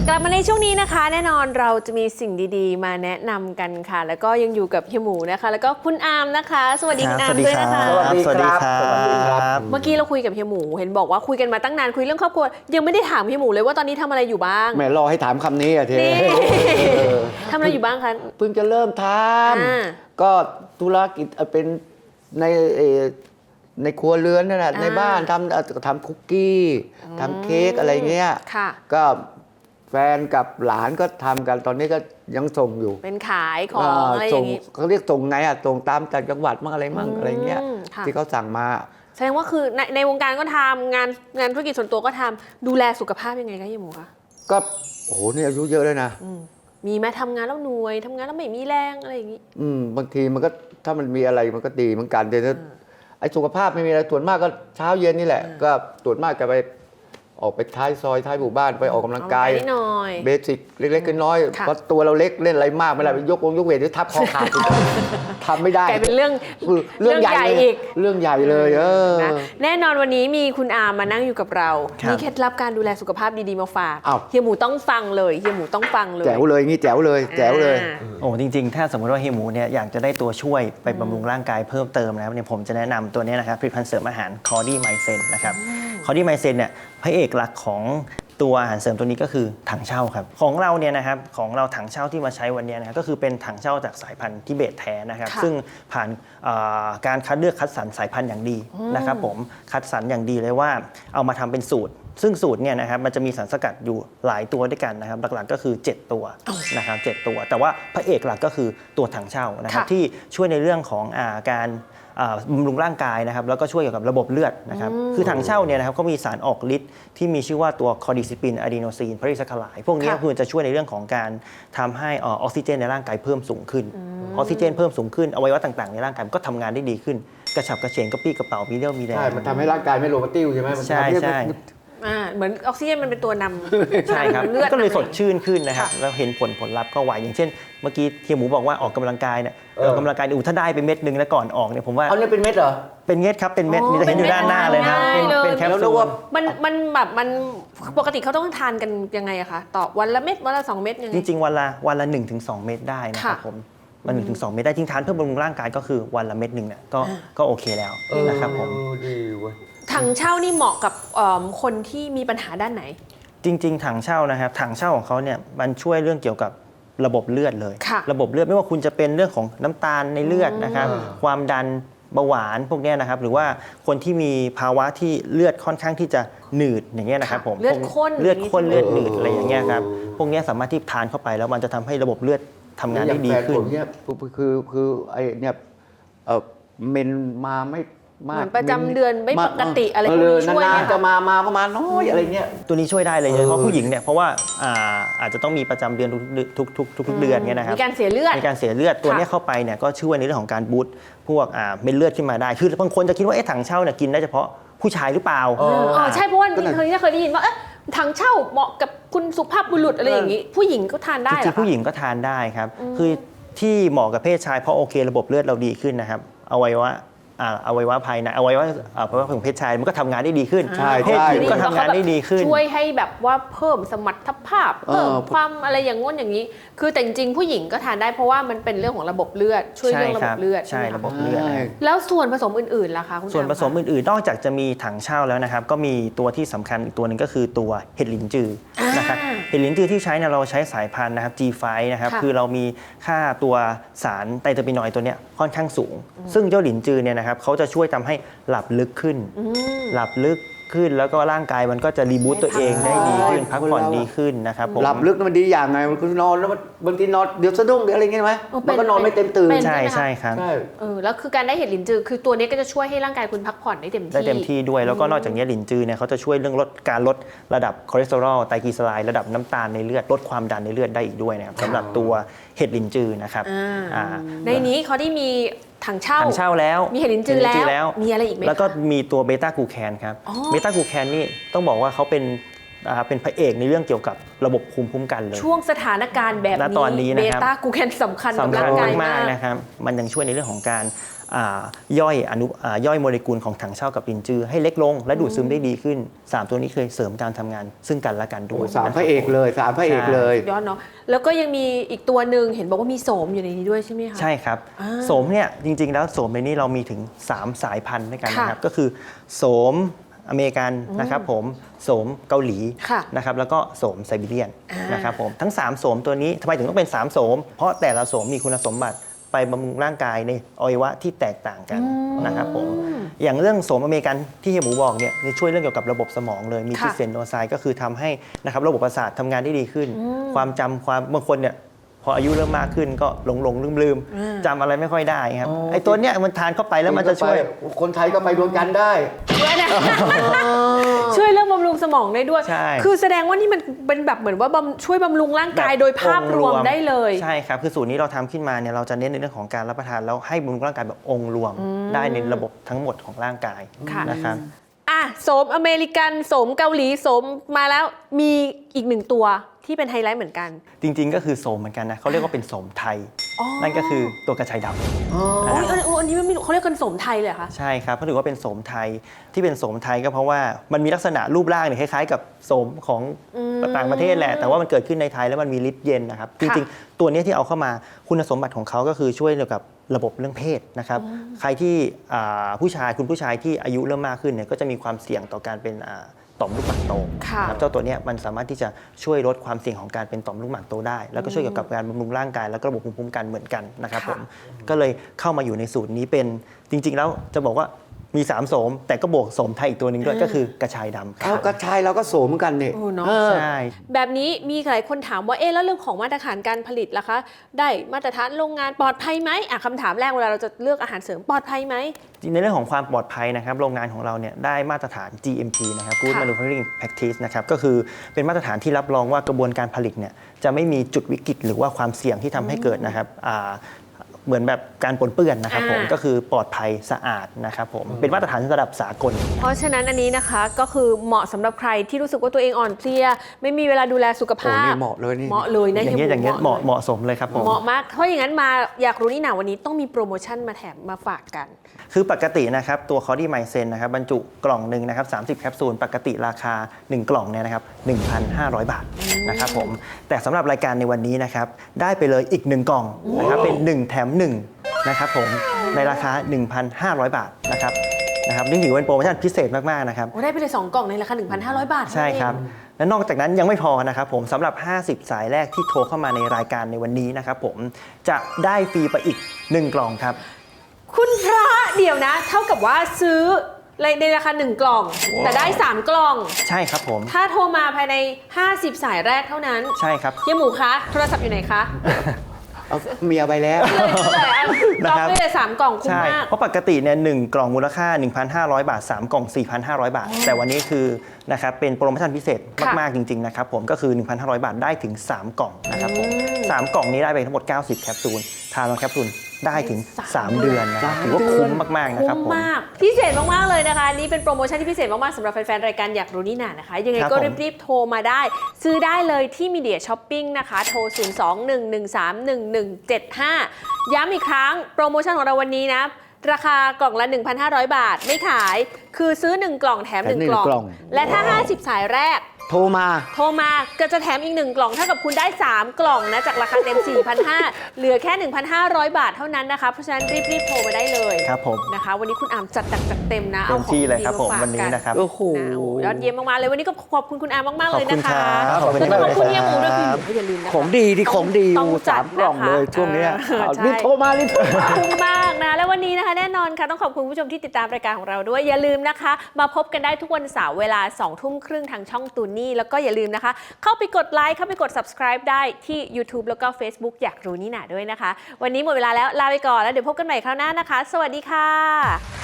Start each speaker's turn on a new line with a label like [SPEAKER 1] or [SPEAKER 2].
[SPEAKER 1] กลับมาในช่วงนี้นะคะแน่นอนเราจะมีสิ่งดีๆมาแนะนำกันค่ะแล้วก็ยังอยู่กับเฮียหมูนะคะแล้วก็คุณอาร์มนะคะสวัสดีคุณอาร์มด้วยนะคะ
[SPEAKER 2] สวัสดีครับ
[SPEAKER 1] เมื่อกี้เราคุยกับเฮียหมูเห็นบอกว่าคุยกันมาตั้งนานคุยเรื่องครอบครัวยังไม่ได้ถามเฮียหมูเลยว่าตอนนี้ทำอะไรอยู่บ้าง
[SPEAKER 2] แม่รอให้ถามคำนี้อะเท
[SPEAKER 1] นี่ ทำอะไรอยู่บ้างคะ
[SPEAKER 2] เพิ่งจะเริ่มท
[SPEAKER 1] อ่า
[SPEAKER 2] ำก็ธุรกิจเป็นในในครัวเรือนนั่นแหละในบ้านทำคุกกี้ทำเค้กอะไรเงี้ย
[SPEAKER 1] ค่ะ
[SPEAKER 2] ก็แฟนกับหลานก็ทำกันตอนนี้ก็ยังส่งอยู่
[SPEAKER 1] เป็นขายของอะไรอย่างนี้
[SPEAKER 2] เขาเรียกส่งไงอะส่งตามจากจังหวัดมั่งอะไรมั่งอะไรเงี้ย
[SPEAKER 1] ค่ะ
[SPEAKER 2] ที่เขาสั่งมา
[SPEAKER 1] แสดงว่าคือในวงการก็ทำงานธุรกิจส่วนตัวก็ทำดูแลสุขภาพยังไงคะเฮียหมูคะ
[SPEAKER 2] ก็โอ้โหนี่อายุเยอะเลยนะ
[SPEAKER 1] มีไหมทำงานแล้วเหนื่อยทำงานแล้วไม่มีแรงอะไรอย่างนี้
[SPEAKER 2] บางทีมันก็ถ้ามันมีอะไรมันก็ดีเหมือนกันแต่ถ้าไอ้สุขภาพไม่มีอะไรส่วนมากก็เช้าเย็นนี่แหละ ก็ส่วนมากจะไปออกไปท้ายซอยท้ายหมู่บ้านไปออกกำลังกาย
[SPEAKER 1] นิดหน่อย
[SPEAKER 2] เบสิกเล็กๆน้อยๆ
[SPEAKER 1] ค่ะ
[SPEAKER 2] เพราะตัวเราเล็กเล่นอะไรมากไม่ได้ยกเวทหรือทับคอขาด ทำไม่ได้
[SPEAKER 1] กลายเป็นเรื่อง
[SPEAKER 2] เรื่องใหญ่เลย
[SPEAKER 1] อีก
[SPEAKER 2] เรื่องใหญ่เลย
[SPEAKER 1] นะแน่นอนวันนี้มีคุณอาร์มมานั่งอยู่กับเรา
[SPEAKER 3] ครับ
[SPEAKER 1] มีเคล็ดลับการดูแลสุขภาพดีๆมาฝาก
[SPEAKER 2] อ้าว
[SPEAKER 1] เฮียหมูต้องฟังเลยเฮียหมูต้องฟังเลย
[SPEAKER 2] แจ๋วเลยงี้แจ๋วเลยแจ๋วเลย
[SPEAKER 1] อ่า
[SPEAKER 3] โอ้จริงๆ ถ้าสมมติว่าเฮียหมูเนี่ยอยากจะได้ตัวช่วยไปบำรุงร่างกายเพิ่มเติมนะครับเนี่ยผมจะแนะนำตัวนี้นะครับผลิตภัณฑ์เสริมอาหารคอดี้ไมเซนนะครับคอดี้ไมเซนเนี่ยพระเอกหลักของตัวอาหารเสริมตัวนี้ก็คือถังเช่าครับของเราเนี่ยนะครับของเราถังเช่าที่มาใช้วันนี้นะครับก็คือเป็นถังเช่าจากสายพันธุ์ทิเบตแท้นะครับ
[SPEAKER 1] ค่ะ
[SPEAKER 3] ซึ่งผ่านการคัดเลือกคัดสรรสายพันธุ์อย่างดีนะครับผมคัดสรรอย่างดีเลยว่าเอามาทำเป็นสูตร ซึ่งสูตรเนี่ยนะครับมันจะมีสารสกัดอยู่หลายตัวด้วยกันนะครับหลักๆก็คือ 7 ตัวนะครับ7ตัวแต่ว่าพระเอกหลักก็คือตัวถังเช่านะครับ
[SPEAKER 1] ค่ะ
[SPEAKER 3] ที่ช่วยในเรื่องของการบำรุงร่างกายนะครับแล้วก็ช่วยเกี่ยวกับระบบเลือดนะครับคือถังเช่าเนี่ยนะครับก็มีสารออกฤทธิ์ที่มีชื่อว่าตัวคอร์ดิซิปินอะดีโนซีนพาริซัคคาไลด์พวกนี้
[SPEAKER 1] ค่ะ
[SPEAKER 3] คือจะช่วยในเรื่องของการทำให้ออกซิเจนในร่างกายเพิ่มสูงขึ้นออกซิเจนเพิ่มสูงขึ้นอวัยวะต่างๆในร่างกายมันก็ทำงานได้ดีขึ้นกระฉับกระเฉงกระปี้กระเป๋ามีเรี่ยวมีแรง
[SPEAKER 2] ใช่มันทำให้ร่างกายไม่โลมาติ้วใช่ไหมมัน
[SPEAKER 3] ใช่
[SPEAKER 2] ทำห้
[SPEAKER 3] ใช่
[SPEAKER 1] เหมือนออกซิเจนมันเป็นตัวนำ
[SPEAKER 3] ใช่ครับ
[SPEAKER 1] เลือด
[SPEAKER 3] ก็เลยสดชื่นขึ้นนะครับ
[SPEAKER 1] ค่ะ
[SPEAKER 3] แล้วเห็นผลลัพธ์ก็ไวอย่างเช่น เมื่อกี้เฮียหมูบอกว่าออกกำลังกายเนี่ยออกกำลังกายถ้าได้ไปเม็ดนึงแล้วก่อนออกเนี่ยผมว่า
[SPEAKER 2] เอาเนี่ยเป็นเม็ดเหรอ
[SPEAKER 3] เป็นเม็ดครับเป็นเม็ดนี่จะเห็นอยู่ด้านหน้าเลยนะครับ
[SPEAKER 1] เป็นเม็ด
[SPEAKER 3] เป็นแคป
[SPEAKER 2] แล้วนึ
[SPEAKER 3] ซู
[SPEAKER 2] ก
[SPEAKER 3] ล
[SPEAKER 2] ว่า
[SPEAKER 1] มันปกติเขาต้องทานกันยังไงอะคะต่อวันละเม็ดวันละ2 เม็ดยังไง
[SPEAKER 3] จริงๆ วันละ 1-2 เม็ดได้นะครับ
[SPEAKER 1] ค่ะ
[SPEAKER 3] ผมวัน1-2 เม็ดได้จริงทานเพื่อบำรุงร่างกายก็คือวันละเม็ดหนึ่งเนี่ยก็โอเคแล้วนะครับผม
[SPEAKER 2] ดีเว้ย
[SPEAKER 1] ถังเช่านี่เหมาะกับคนที่มีปัญหาด้านไหน
[SPEAKER 3] จริงๆ ถังเช่านะครับถังเช่าของเขาเนี่ยมันช่วยเรื่องเกี่ยวกับระบบเลือดเลย
[SPEAKER 1] ค่ะ
[SPEAKER 3] ระบบเลือดไม่ว่าคุณจะเป็นเรื่องของน้ำตาลในเลือดนะครับความดันเบาหวานพวกเนี้ยนะครับหรือว่าคนที่มีภาวะที่เลือดค่อนข้างที่จะหนืดอย่างเงี้ยนะครับผม
[SPEAKER 1] เลือดข้น
[SPEAKER 3] เลือดข้น
[SPEAKER 1] อย่างนี้
[SPEAKER 3] เลือดหนืดอะไรอย่างเงี้ยครับพวกเนี้ยสามารถที่ทานเข้าไปแล้วมันจะทำให้ระบบเลือดทำงานได้ดีขึ้น
[SPEAKER 2] อย่างแฟผมเนี่ยคือไอ้เนี่ยเมนมาไม่มาก
[SPEAKER 1] เหมือนประจำเดือนไม่ปกติอะไรพวกนี้ช่วยไหม
[SPEAKER 2] นานๆจะมาก็มาน้อยอะไรเงี้ย
[SPEAKER 3] ตัวนี้ช่วยได้เลยโดยเฉพาะผู้หญิงเนี่ยเพราะว่าอาจจะต้องมีประจำเดือนทุกเดือนเนี่ยนะครับ
[SPEAKER 1] มีการเสียเลือด
[SPEAKER 3] ในการเสียเลือดตัวเนี้ยเข้าไปเนี่ยก็ช่วยในเรื่องของการบูสต์พวกเม็ดเลือดขึ้นมาได้ คือบางคนจะคิดว่าถังเช่าเนี่ยกินได้เฉพาะผู้ชายหรือเปล่า
[SPEAKER 1] ใช่เพราะว่า
[SPEAKER 2] ก็นั่น
[SPEAKER 1] เคยได้ยินว่าถังเช่าเหมาะกับคุณสุภาพบุรุษอะไรอย่างนี้ ผู้หญิงก็ทานได้
[SPEAKER 3] จ
[SPEAKER 1] เหร
[SPEAKER 3] ริ
[SPEAKER 1] อง
[SPEAKER 3] ๆผู้หญิงก็ทานได้ครับคือที่เหมาะกับเพศชายเพราะโอเคระบบเลือดเราดีขึ้นนะครับอวัยวะภายในอวัยวะของเพศชายมันก็ทำงานได้ดีขึ้น
[SPEAKER 2] ใช่
[SPEAKER 3] เพศหญิงก็ทำงานได้ดีขึ้น
[SPEAKER 1] ช่วยให้แบบว่าเพิ่มสมรรถภาพเพิ่ม
[SPEAKER 2] เออ
[SPEAKER 1] ความอะไรอย่างง้นอย่างนี้ คือแต่จริงๆผู้หญิงก็ทานได้เพราะว่ามันเป็นเรื่องของระบบเลือดช่วยเรื่องระบบเลือด
[SPEAKER 3] ใช่
[SPEAKER 1] ไหม
[SPEAKER 3] ระ
[SPEAKER 1] คะ
[SPEAKER 3] บบเลือดนะครับ
[SPEAKER 1] แล้วส่วนผสมอื่นๆล่ะคะคุณ
[SPEAKER 3] ส่วนผสม
[SPEAKER 1] อาร์คะ
[SPEAKER 3] อื่นๆ นอกจากจะมีถังเช่าแล้วนะครับ ก็มีตัวที่สำคัญอีกตัวหนึ่งก็คือตัวเห็ดหลินจือนะครับเห็ดหลินจือที่ใช้เนี่ยเราใช้สายพันธุ์นะครับ G5 นะครับ
[SPEAKER 1] ค่ะ
[SPEAKER 3] คือเรามีค่าตัวสารไตรเตอร์ปินอยด์ตัวเนี้ยค่อนข้างสูง ซึ่งเจ้าหลินจือเนี่ยนะครับเขาจะช่วยทำให้หลับลึกขึ้น หลับลึกขึ้นแล้วก็ร่างกายมันก็จะรีบูตตัวเองได้ดีขึ้นพักผ่อนดีขึ้นนะครับผม
[SPEAKER 2] หลับลึกมันดีอย่างไงมันคือนอนแล้วมันบางทีนอนเดี๋ยวสะดุ้งเดี๋ยวอะไรเงี้ยไหม
[SPEAKER 1] เป็
[SPEAKER 2] มันก็นอนไม่เต็มตื่น
[SPEAKER 1] เป็น
[SPEAKER 3] ใช่ใช่ครับ
[SPEAKER 2] ใช่
[SPEAKER 1] แล้วคือการได้เห็ดหลินจือคือตัวนี้ก็จะช่วยให้ร่างกายคุณพักผ่อนได้เต็มที่
[SPEAKER 3] ได้เต็มที่ด้วยแล้วก็นอกจากนี้หลินจือเนี่ยเขาจะช่วยเรื่องการลดระดับคอเลสเตอรอลไตรกลีเซอไรด์ระดับน้ำตาลในเลือดลดความดันในเลือดได้อีกด้วยนะครับสำหรับตัวเห็ดหลินจือนะครับ
[SPEAKER 1] ในนี้เขาได้มีถังเช่า
[SPEAKER 3] ถังเช่าแล้ว
[SPEAKER 1] มีเห็ดลิ้นจือแล้วมีอะไรอีกไหมคะ
[SPEAKER 3] แล้วก็มีตัวเบต้ากลูแคนครับ
[SPEAKER 1] อ๋อ
[SPEAKER 3] เบต้ากลูแคนนี่ต้องบอกว่าเขาเป็นเป็นพระเอกในเรื่องเกี่ยวกับระบบภูมิคุ้มกันเลย
[SPEAKER 1] ช่วงสถานการณ์แบบ
[SPEAKER 3] ณตอนนี้
[SPEAKER 1] นี้
[SPEAKER 3] นะครับ
[SPEAKER 1] เบต้ากลูแคนสำคัญกับ
[SPEAKER 3] สำคั
[SPEAKER 1] ร่า
[SPEAKER 3] ญ
[SPEAKER 1] งกาย
[SPEAKER 3] มาม
[SPEAKER 1] าก ก
[SPEAKER 3] ๆนะครับมันยังช่วยในเรื่องของการย่อยโมเลกุลของถังเช่ากับลินจือให้เล็กลงและดูดซึมได้ดีขึ้น 3 ตัวนี้เคยเสริมการทำงานซึ่งกันและกันด้
[SPEAKER 2] โอ้
[SPEAKER 3] วย
[SPEAKER 2] สามพระเอกเลยสามพระเอกเลย
[SPEAKER 1] ยอดเนาะแล้วก็ยังมีอีกตัวหนึ่งเห็นบอกว่ามีโสมอยู่ในนี้ด้วยใช่ไหมคะ
[SPEAKER 3] ใช่ครับ
[SPEAKER 1] อ่า
[SPEAKER 3] โสมเนี่ยจริงๆแล้วโสมในนี้เรามีถึง 3 สายพันธุ์ด้วยกันนะครับ
[SPEAKER 1] ค่ะ
[SPEAKER 3] ก็คือโสมอเมริกันนะครับผมโสมเกาหลี
[SPEAKER 1] ค่ะ
[SPEAKER 3] นะครับแล้วก็โสมไซบีเรียน
[SPEAKER 1] อ่าน
[SPEAKER 3] นะครับผมทั้ง 3 โสมตัวนี้ทำไมถึงต้องเป็น 3 โสม เพราะแต่ละโสมมีคุณสมบัติไปบำรุงร่างกายในอวัยวะที่แตกต่างกันนะครับผมอย่างเรื่องโสมอเมริกันที่เฮียหมูบอกเนี่ยช่วยเรื่องเกี่ยวกับระบบสมองเลยมี
[SPEAKER 1] ค่ะ
[SPEAKER 3] ทิเซนโนไซด์ก็คือทำให้นะครับระบบประสาททำงานได้ดีขึ้น ความจำความบางคนเนี่ยพออายุเริ่มมากขึ้นก็หลงลืมจำอะไรไม่ค่อยได้ครับ
[SPEAKER 2] อ๋อ
[SPEAKER 3] ไอ้ตัวเนี้ยมันทานเข้าไปแล้วมันจะช่วย
[SPEAKER 2] คนไทยก็ไปดวงจันทร์ได้
[SPEAKER 1] ช่วยนะ ช่วยเรื่องบำรุงสมองได้ด้วย
[SPEAKER 3] ใช่
[SPEAKER 1] คือแสดงว่านี่มันเป็นแบบเหมือนว่าช่วยบำรุงร่างกายโดยภาพรวมได้เลย
[SPEAKER 3] ใช่ครับคือสูตรนี้เราทำขึ้นมาเนี่ยเราจะเน้นในเรื่องของการรับประทานแล้วให้บำรุงร่างกายแบบองค์รวมได้ในระบบทั้งหมดของร่างกาย
[SPEAKER 1] ค่ะ
[SPEAKER 3] นะครับ
[SPEAKER 1] อ่ะโสมอเมริกันโสมเกาหลีโสมมาแล้วมีอีกหนึ่งตัวที่เป็นไฮไลท์เหมือนกัน
[SPEAKER 3] จริงๆก็คือโสมเหมือนกันนะเขาเรียกว่าเป็นโสมไทย
[SPEAKER 1] อ๋อ
[SPEAKER 3] นั่นก็คือตัวกระชายดำ
[SPEAKER 1] โอ้ยอันนี้ไม่รู้เขาเรียกกันโสมไทยเลยเหรอคะ
[SPEAKER 3] ใช่ครับเขาถือว่าเป็นโสมไทยที่เป็นโสมไทยก็เพราะว่ามันมีลักษณะรูปร่างเนี่ยคล้ายๆ กับโสมของต่างประเทศแหละ แต่ว่ามันเกิดขึ้นในไทยแล้วมันมีฤทธิ์เย็นนะครับจริงๆตัวนี้ที่เอาเข้ามาคุณสมบัติของเขาก็คือช่วยเกี่ยวกับระบบเรื่องเพศนะครับใครที่คุณผู้ชายที่อายุเริ่มมากขึ้นเนี่ยก็จะมีความเสี่ยงต่อการเป็นต่อมลูกหมากโต
[SPEAKER 1] ค่ะ
[SPEAKER 3] นะครับเจ้าตัวเนี้ยมันสามารถที่จะช่วยลดความเสี่ยงของการเป็นต่อมลูกหมากโตได้ แล้วก็ช่วยเกี่ยวกับการบำรุงร่างกายแล้วก็ระบบภูมิคุ้มกันเหมือนกันนะครับผมก็เลยเข้ามาอยู่ในสูตรนี้เป็นจริง ๆ แล้วจะบอกว่ามี 3 โสม แต่ก็บวกโสมไทยอีกตัวหนึ่งด้วยก็คือกระชายดำค
[SPEAKER 2] เอา
[SPEAKER 3] รับ
[SPEAKER 2] กระชายเราก็โสมเหมือนกันเนี่ย
[SPEAKER 1] โอ้เนอะ
[SPEAKER 3] ใช่
[SPEAKER 1] แบบนี้มีหลายคนถามว่าเอ๊ะแล้วเรื่องของมาตรฐานการผลิตล่ะคะ ได้มาตรฐานโรงงานปลอดภัยไหมคำถามแรกเวลาเราจะเลือกอาหารเสริมปลอดภัยไหม
[SPEAKER 3] ในเรื่องของความปลอดภัยนะครับโรงงานของเราเนี่ยได้มาตรฐาน GMP นะครับ Good
[SPEAKER 1] ค่ะ
[SPEAKER 3] Manufacturing Practice นะครับก็คือเป็นมาตรฐานที่รับรองว่ากระบวนการผลิตเนี่ยจะไม่มีจุดวิกฤตหรือว่าความเสี่ยงที่ทำให้เกิดนะครับเหมือนแบบการปนเปื้อนนะครับผมก็คือปลอดภัยสะอาดนะครับผมเป็นมาตรฐานระดับสากล
[SPEAKER 1] เพราะฉะนั้นอันนี้นะคะก็คือเหมาะสำหรับใครที่รู้สึกว่าตัวเองอ่อนเพลียไม่มีเวลาดูแลสุข
[SPEAKER 2] โอ้
[SPEAKER 1] ภาพ
[SPEAKER 2] นี่เหมาะเลยนี่
[SPEAKER 1] เหมาะเลยนะ
[SPEAKER 3] อย่างเงี้ย
[SPEAKER 1] ฮี
[SPEAKER 3] อย่างเงี้ย
[SPEAKER 1] ล
[SPEAKER 3] เหมาะสมเลยครับผม
[SPEAKER 1] เหมาะมากเพราะอย่างนั้นมาอยากรู้นี่หนาวันนี้ต้องมีโปรโมชั่นมาแถมมาฝากกัน
[SPEAKER 3] คือปกตินะครับตัวคอร์ดี้ไมเซนนะครับบรรจุกล่องหนึ่งนะครับ30 แคปซูลปกติราคา 1 กล่องเนี่ยนะครับ 1,500 บาทนะครับผมแต่สำหรับรายการในวันนี้นะครับได้ไปเลยอีก 1 กล่องนะครับเป็น 1 แถม 1 นะครับผมในราคา 1,500 บาทนะครับนี่ถือว่าเป็นโปรโมชั่นพิเศษมากๆนะครับ
[SPEAKER 1] โอ้ได้ไปเลย 2 กล่องในราคา 1,500 บาท
[SPEAKER 3] ใช่ครับและนอกจากนั้นยังไม่พอนะครับผมสำหรับ 50 สายแรกที่โทรเข้ามาในรายการในวันนี้นะครับผมจะได้ฟรีไปอีก 1 กล่องครับ
[SPEAKER 1] คุณพระเดี๋ยวนะ เท่ากับว่าซื้อในราคา 1 กล่อง แต่ได้ 3 กล่อง
[SPEAKER 3] ใช่ครับผม
[SPEAKER 1] ถ้าโทรมาภายใน 50 สายแรกเท่านั้น
[SPEAKER 3] ใช่ครับ
[SPEAKER 1] เฮียหมูคะโทรศัพท์อยู่ไหนคะ
[SPEAKER 2] เอาเมียไปแล้ว
[SPEAKER 1] กล่องได้เลย3 กล่องคุ้ม
[SPEAKER 3] ใช่
[SPEAKER 1] มาก
[SPEAKER 3] เพราะปกติเนี่ย1กล่องมูลค่า 1,500 บาท 3 กล่อง 4,500 บาท แต่วันนี้คือนะครับเป็นโปรโมชั่นพิเศษมากๆจริงๆนะครับผมก็คือ 1,500 บาทได้ถึง 3 กล่องนะครับผม3กล่องนี้ได้ไปทั้งหมด 90 แคปซูลทาน1แคปซูลได้ถึง 3 เดือนนะครับถือว่าคุ้มมากๆนะครับ
[SPEAKER 1] คุ้
[SPEAKER 3] ผม ม
[SPEAKER 1] มากพิเศษมากๆเลยนะคะนี่เป็นโปรโมชั่นที่พิเศษมากๆสำหรับแฟนๆรายการอยากรู้นี่หนานะคะ ยังไง
[SPEAKER 3] ครับ
[SPEAKER 1] ก็
[SPEAKER 3] ผม
[SPEAKER 1] รีบๆโทรมาได้ ซื้อได้เลยที่มีเดียช้อปปิ้งนะคะโทร 021131175 ย้ำอีกครั้งโปรโมชั่นของเราวันนี้นะราคากล่องละ 1,500 บาทไม่ขายคือซื้อ 1 กล่องแถม
[SPEAKER 2] แถม
[SPEAKER 1] 1 กล่อง
[SPEAKER 2] 1 กล่อง
[SPEAKER 1] และถ้า 50 สายแรก
[SPEAKER 2] โทรมา
[SPEAKER 1] โทรมาก็จะแถมอีก 1 กล่องเท่ากับคุณได้ 3 กล่องนะจากราคาเต็ม 4,500 เหลือแค่ 1,500 บาทเท่านั้นนะคะเพราะฉะนั้นรีบๆโทรมาได้เลย
[SPEAKER 3] ครับผม
[SPEAKER 1] นะคะวันนี้คุณอามจัดหนักจัดเต็มนะ
[SPEAKER 3] เต็มที่เลยครับผม
[SPEAKER 1] อาของ
[SPEAKER 3] วันนี้
[SPEAKER 1] ดีาฝากกั
[SPEAKER 3] นะครับ
[SPEAKER 2] โอ้โห
[SPEAKER 1] นะโอ้ยอดเยี่ยมมากๆเลยวันนี้ก็ขอบคุณคุณอามมากๆ
[SPEAKER 3] ขอ
[SPEAKER 1] เล
[SPEAKER 3] บ
[SPEAKER 1] ย
[SPEAKER 3] คุณ
[SPEAKER 1] นะ
[SPEAKER 3] ค
[SPEAKER 1] คะ
[SPEAKER 3] รับขอบคุณ
[SPEAKER 1] แล้วก็ขอบคุณ
[SPEAKER 3] มาก
[SPEAKER 1] เฮียหมูด้วย
[SPEAKER 3] ค
[SPEAKER 1] คือ
[SPEAKER 3] รับ
[SPEAKER 1] อย่าลืมนะคะ
[SPEAKER 2] ของดีที่ของดี
[SPEAKER 1] ต้องจัด
[SPEAKER 2] 3 กล่องเลย
[SPEAKER 1] นะคะ
[SPEAKER 2] ช่วงเนี้ย
[SPEAKER 1] ใช่
[SPEAKER 2] รีบโทรมารีบโทรมา
[SPEAKER 1] คุ้มมากนะและวันนี้นะคะแน่นอนค่ะต้องขอบคุณผู้ชมที่ติดตามรายการของเราด้วยอย่าลืมนะคะ มาพบกันได้ทุกวันเสาร์เวลา 20:30 ทางช่องตูนี่แล้วก็อย่าลืมนะคะ เข้าไปกดไลค์เข้าไปกด subscribe ได้ที่ YouTube แล้วก็ Facebook อยากรู้นี่หนาด้วยนะคะ วันนี้หมดเวลาแล้วลาไปก่อนแล้วเดี๋ยวพบกันใหม่คราวหน้านะคะ สวัสดีค่ะ